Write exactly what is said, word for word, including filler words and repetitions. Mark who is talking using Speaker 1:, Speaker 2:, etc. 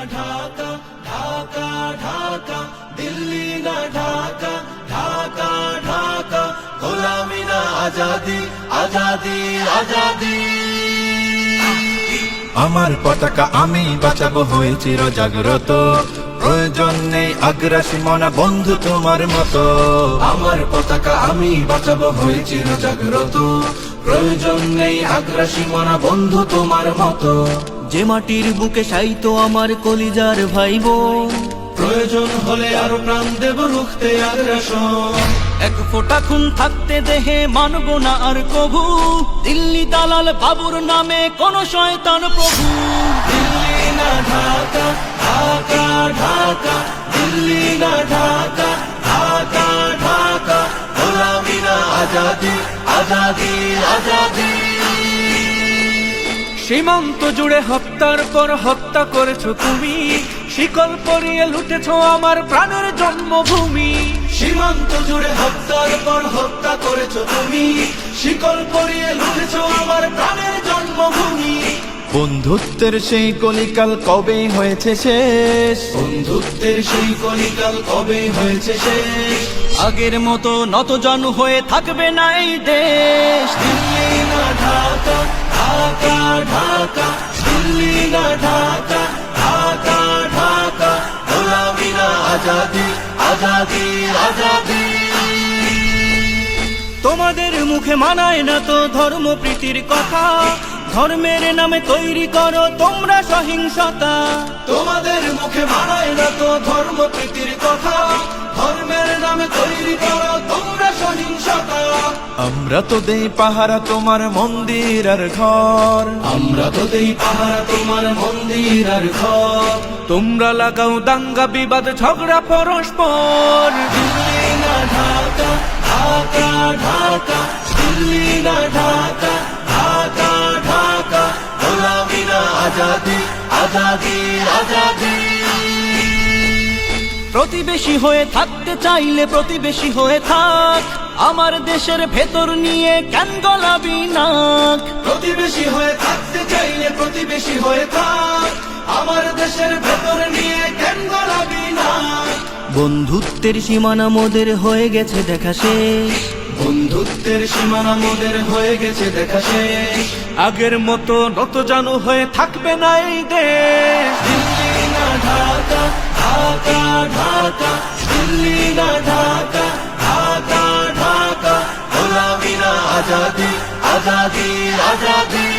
Speaker 1: ঢাকা, ঢাকা ঢাকা, দিল্লি না ঢাকা, ঢাকা ঢাকা, গোলামি না আজাদি, আজাদি আজাদি।
Speaker 2: আমার পতাকা আমি বাঁচাবো হয়ে চির জাগ্রত, প্রয়োজন নেই আগ্রাসী মনা বন্ধু তোমার মতো।
Speaker 1: আমার পতাকা আমি বাঁচাবো হয়ে চির জাগ্রত, প্রয়োজন নেই আগ্রাসী মনা বন্ধু তোমার মতো।
Speaker 3: যে মাটির বুকে সাইতো আমার কলিজার ভাই বোন,
Speaker 1: প্রয়োজন হলে আরো প্রাণ দেব রুখতে আগ্রাসন।
Speaker 3: এক ফোঁটা খুন থাকতে দেহে মানব না আর কভু, দিল্লি দালাল বাবুর নামে কোন শয়তান প্রভু।
Speaker 1: দিল্লি না ঢাকা, ঢাকা ঢাকা, দিল্লি না ঢাকা, ঢাকা ঢাকা, গোলামি না আজাদি, আজাদি আজাদি।
Speaker 3: সীমান্ত জুড়ে হত্যার পর হত্যা করেছো তুমি, শিকল পরিয়ে লুটেছো আমার প্রাণের জন্মভূমি।
Speaker 1: সীমান্ত জুড়ে হত্যার পর হত্যা করেছো তুমি, শিকল পরিয়ে লুটেছো আমার প্রাণের জন্মভূমি।
Speaker 2: বন্ধুত্বের সেই কলিকাল কবে হয়েছে শেষ,
Speaker 1: বন্ধুত্বের সেই কলিকাল কবে হয়েছে শেষ।
Speaker 3: আগের মতো নত জানু হয়ে থাকবে না এই দেশ।
Speaker 1: দিল্লি না ঢাকা, ঢাকা ঢাকা, দিল্লি না ঢাকা, ঢাকা ঢাকা, গোলামি না আজাদি, আজাদি আজাদি।
Speaker 3: তোমাদের মুখে মানায় না তো ধর্ম প্রীতির কথা, ধর্মের নামে তৈরি করো তোমরা সহিংসতা।
Speaker 1: তোমাদের মুখে মানায় না তো ধর্ম প্রীতির কথা, ধর্মের নামে তৈরি করো তোমরা সহিংসতা।
Speaker 2: আমরা তো দেই পাহারা তোমার মন্দির আর ঘর,
Speaker 1: আমরা তো দেই পাহারা তোমার মন্দির আর ঘর।
Speaker 3: তোমরা লাগাও দাঙ্গা বিবাদ ঝগড়া পরস্পর।
Speaker 1: দিল্লি না ঢাকা, ঢাকা ঢাকা, দিল্লি না ঢাকা, ঢাকা ঢাকা, গোলামি না আজাদি, আজাদি আজাদি।
Speaker 3: প্রতিবেশী হয়ে থাকতে চাইলে প্রতিবেশী হয়ে থাক, আমার দেশের ভেতর নিয়ে কেন গলাবি নাক।
Speaker 1: প্রতিবেশী হয়ে থাকতে চাইলে প্রতিবেশী হয়ে থাক, আমার দেশের ভেতর নিয়ে কেন গলাবি না।
Speaker 3: বন্ধুত্বের সীমানা মোদের হয়ে গেছে দেখা শেষ,
Speaker 1: বন্ধুত্বের সীমানা মোদের হয়ে গেছে দেখা শেষ।
Speaker 3: আগের মতো নত জানু হয়ে থাকবে না এই দেশ।
Speaker 1: দিল্লি না ঢাকা, ঢাকা ঢাকা, দিল্লি না ঢাকা, ঢাকা ঢাকা, গোলামি না আজাদি, আজাদি আজাদি।